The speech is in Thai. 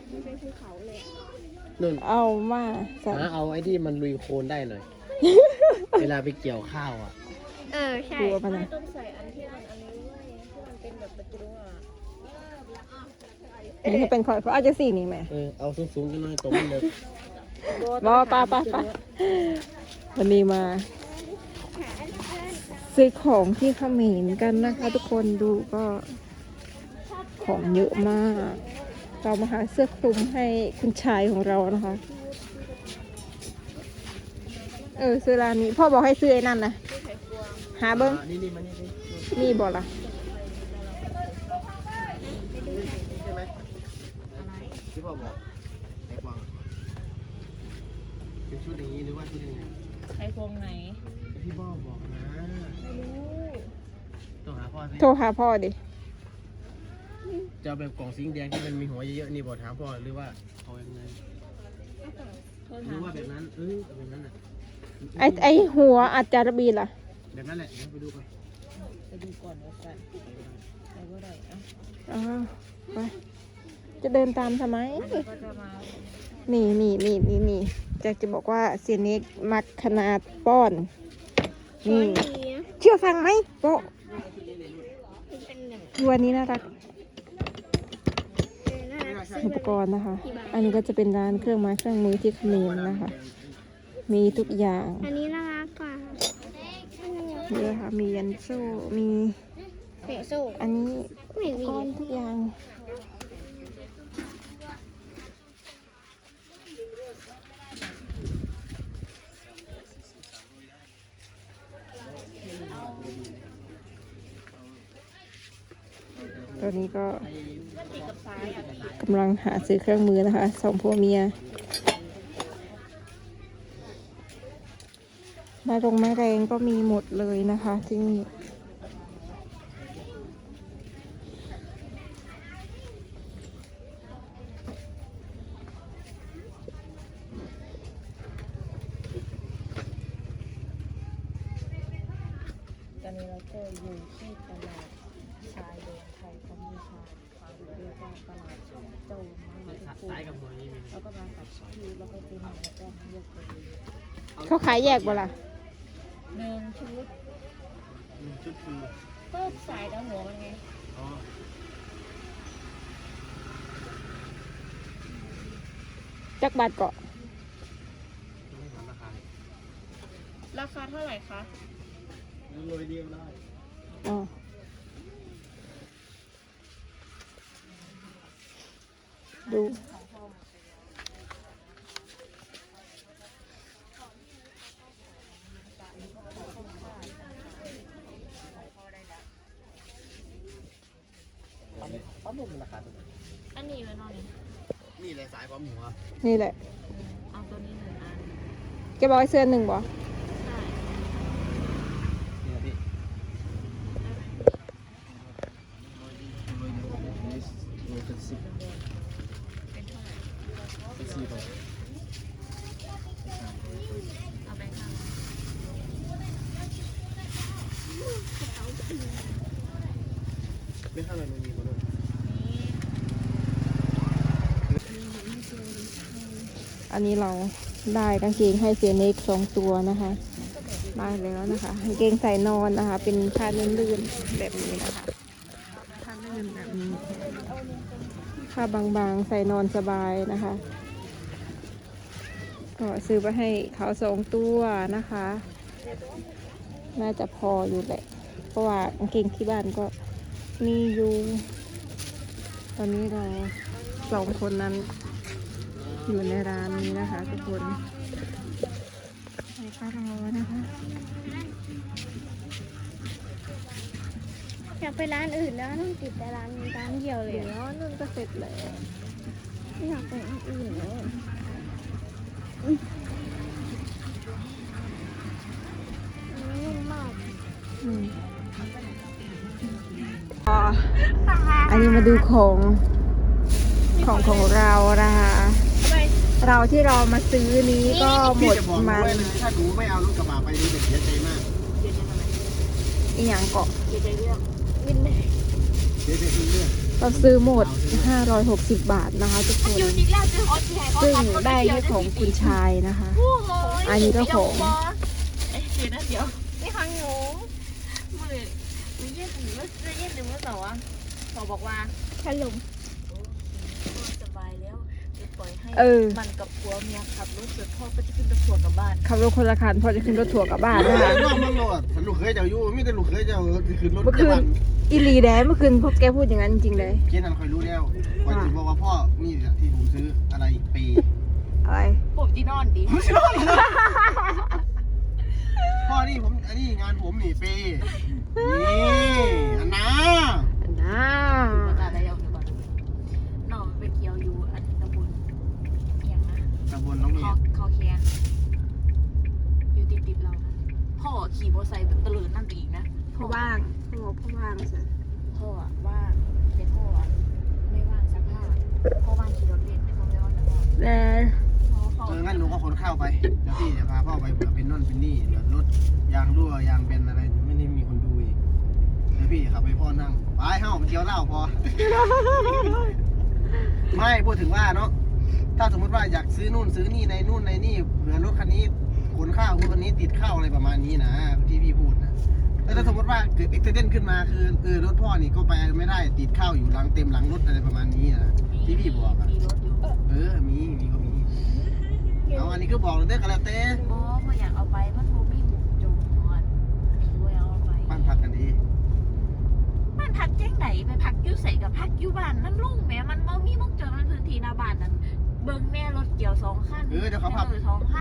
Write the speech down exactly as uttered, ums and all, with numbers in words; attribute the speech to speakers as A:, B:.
A: มันเป็นภูเขาเลย
B: นุ่น
C: เอามาใส่
B: หาเอาไอ้ที่มันลุยโคลนได้หน่อย เวลาไปเกี่ยวข้าวอ่ะ
A: เออใช่
C: กลัวมัน
A: ไม่
C: นะ
A: ต้องใส่อันที่มันอันนี้ด้วยที่มันเป็นแบบประตูอ่ะ
C: อันนี้ก็เป็นคอยเพราะอาจจะสี่นี่แหม่
B: เออเอาสูงๆกันหน่อยตรงนี้เลย
C: บอป้าป้าป้าวันนี้มาซื้อของที่เขมรกันนะคะ ทุกคนดูก็ของเยอะมาก เรามาหาเสื้อคลุมให้คุณชายของเรานะคะ เออซื้อร้านนี้พ่อบอกให้ซื้อไอ้นั่นนะหาเบิ้ง
B: อ่ะนี่นี่มานี่นี่
C: มีบอกล่ะ
B: ใช่ไหมที่พ่อบอกไอ้กวางเป็นชุดอย่างนี้หรือว่าชุดยังไง
A: ไอโฟนไหน
B: ที่พ่อบอกนะ
A: ไม่รู้
B: ต้องหาพ่อสิ
C: โทรหาพ่อดิ
B: จะเอาแบบกล่องสีแดงที่มันมีหัวเยอะๆนี่บอกถามพ่อหรือว่าเอายังไง
A: โทร
B: ห
A: ถา
B: รือ
A: ม
B: ว่าแบบนั้นเออเอาแบบนั้นน่ะ
C: ไอไอหัวอาจารย์บีล่ะ
B: แบบนั้นแหละเดี๋ยวไปดูไป
A: ไปดูก่อนว่ากันไปก็ได้อ่ะ
C: อ๋อไปจะเดินตามทำไม
A: ก็จะมา
C: นี่นี่นี่นี่นี่จะจะบอกว่าเสียเน็กมักขนาดป้อน นี่ เชื่อฟังไหมโปะ
A: เป็นหนึ่ง
C: ตัวนี้น่ารัก
A: น่ารัก
C: อุปกรณ์นะคะ อันนี้ก็จะเป็นร้านเครื่องไม้เครื่องมือที่เขมรนะคะ มีทุกอย่าง
A: อันนี้น่ารักกว่า
C: เยอะค่ะ มียันโซ่ มี
A: เตะสู้
C: อันนี้
A: ไม่
C: อุป
A: มี
C: กรณ์ทุกอย่าง ตอนนี้ก็กำลังหาซื้อเครื่องมือนะคะสองผัวเมียไม้รงไม้แรงก็มีหมดเลยนะคะที่นี่
A: ตอนนี้เราก็อยู่ที่ตลาดชายแดนไทยกัมพูชาเรียกว่าตลาดโจมนะคะทุกคน
B: ซ้ายกับหัวนี้มี
A: แล้วก็มากับพี่แล้วก็เป็นหนึ่งแล้วก็เลือกเลย
C: เขาขายแยกบ่ล่ะ
A: หนึ่งชุด
B: หนึ่งชุดคือ
A: ก็สายแล้วหัวมันไง
B: อ๋อ
C: จักบาทเกาะ
B: ไม่ถามราคา
A: ราคาเท่าไหร่คะ
B: โรยเดียวได้
C: อ๋อดู
B: ปั๊มหมดราคาตัวไหน
A: อันนี้ไว้นอนนี่
B: นี่แหละสายปั๊มหัว
C: นี่แหละ
A: เอาตัวนี้หนึ่งอัน
C: แกบอกให้เสื้อหนึ่งบ่
A: ใช่
B: เนี่ยพี่โรยเป็นสิบ
A: เป็นเท่าไหร่
B: เป็นสี่ตัว
A: เอาแบงค์ห้า
B: ไม่เท่าไหร่มันมีคนเลย
C: อันนี้เราได้กางเกงให้เสียเน็กสองตัวนะคะได้แล้วนะคะกางเกงใส่นอนนะคะ เป็นผ้าลื่นๆแบบนี้นะคะผ้าลื่นแบบนี้ผ้าบางๆใส่นอนสบายนะคะ ก็ซื้อไปให้เขาสองตัวนะคะ น่าจะพออยู่แหละ เพราะว่ากางเกงที่บ้านก็มีอยู่ ตอนนี้เราสองคนนั้นอยู่ในร้านนี้นะคะทุกคนไปก็รอนะคะ
A: อยากไปร้านอื่นแล้วต้องติดแต่ร้านร้านเดียวเลย
C: เดี๋ยวนุ่นก็เสร็จแล้ว
A: ไม่อยากไปร้านอื่นเลยนุ่มมาก
C: อืมอ่าอันนี้มาดูของของของเรานะคะเราที่เรามาซื้อนี้ก็หม
B: พี่
C: ด
B: จะบอก
C: มัน
B: ไว้เลยถ้าหนูไม่เอารถกระบะไปนี่จะเสียใจมาก
C: อีหยังเกาะ
A: เดี๋ยวใจเรื่องวินเลย
B: เสียใจเรื่อง
C: เราซื้อหมด ห้าร้อยหกสิบบาทนะคะทุกคน
D: อยู่นี่แล้วจะขอแชร์
C: ซึ่งได้แค่ของคุณชายนะคะ อันนี้ก็ของ
D: เอ๊ะเดี๋ยวนะเดี๋ยวนี่ของหนูมือมือเย็นหรือว่าเย็นหรือว่าสองสอบอกว่า
A: ขนม
D: สบายแล้วจะปล่อยให้
C: เออ
D: มันกับผัวเมียขับรถเสร็จพ่อก็จะขึ้นรถทัวร์กลับบ้าน
C: ขับรถคนละคันพอจะขึ้นรถทัวร์กลับบ้านนะคะ
B: น้องมึงโหลดฉันลูกเคยเจ้าอยู่มีแต่ลูกเคยเจ้าคือรถ
C: เมื่อคืน อีหลีแดนเมื่อคืนพวกแกพูดอย่างนั้นจริงๆเลย
B: เพี้ยนนั้นคอยรู้แล้ววันที่บอกว่าพ่อนี่แหละที่ผมซื้ออะไรปี
C: อะไร
D: ผมจีนอนดี
B: พ่อนี่ผมอันนี้งานผมนี่ปีนี่อันน่า
C: น้า
D: มาจากอะไรเอาเดี๋ยวก่อนน้องไปเกี่ยวอยู่อันตำบลเอียงนะ
B: ตำบลน้องเมี
D: ค
B: ย
D: อคอแคนอยู่ติดติดๆเรานะพ่อขี่มอเตอร์ไซค์แบบตะเลินนั่นไปอีกนะ
C: พ่อว่างพ่อพ่อว่างสิ
D: พ่ออะว่างแต่พ่ออะไม่ว่างสักผ้าพ่อว่างขี่รถเล่นแต่พ่อไม่ว่างสักผ้า
C: แล้
D: พ่อพ่อ
B: เอองั้นหนูก็ขนข้าวไปเดี๋ยวพี่จะพาพ่อไปเผื่อเป็นน่นเป็นนี่เดี๋ยวรถยางรั่วยางเป็นอะไรไม่ได้มีคนดูอีกเดี๋ยวพี่ขับไปพ่อนั่งไปเฮ้าไปเที่ยวเหล้าพอ ไม่พูดถึงว่าเนาะถ้าสมมติว่าอยากซื้อนู่นซื้อนี่ในนู่นในนี่เผื่อรถคันนี้ขนข้าวรถคันนี้ติดข้าวอะไรประมาณนี้นะที่พี่พูดนะแล้วถ้าสมมติว่าเกิดอุบัติเหตุขึ้นมาคือเออรถพ่อนี่ก็ไปไม่ได้ติดข้าวอยู่หลังเต็มหลังรถอะไรประมาณนี้นะที่พี่บอกอะ
D: มีรถอยู่
B: เออมีมีก็มีเอาอันนี้ก็บอกเลยเด้อกันแล้วเต้
D: โอ้พ่ออยากเอาไปมันโมมีหมูจงนอนด้วยเอาไป
B: บ้านพักกันดี
D: บ้านพักแจ้งไหนไปพักอยู่ใส่กับพักอยู่บ้านมันลุ่งแหมมันโมมีหมุกจงมันพื้นที่หน้าบ้านนั้นเบิ่งแม่รถเกี่ยวสองคัน
B: เออเดี๋ยวเขาพับ
D: แม่รถสองคัน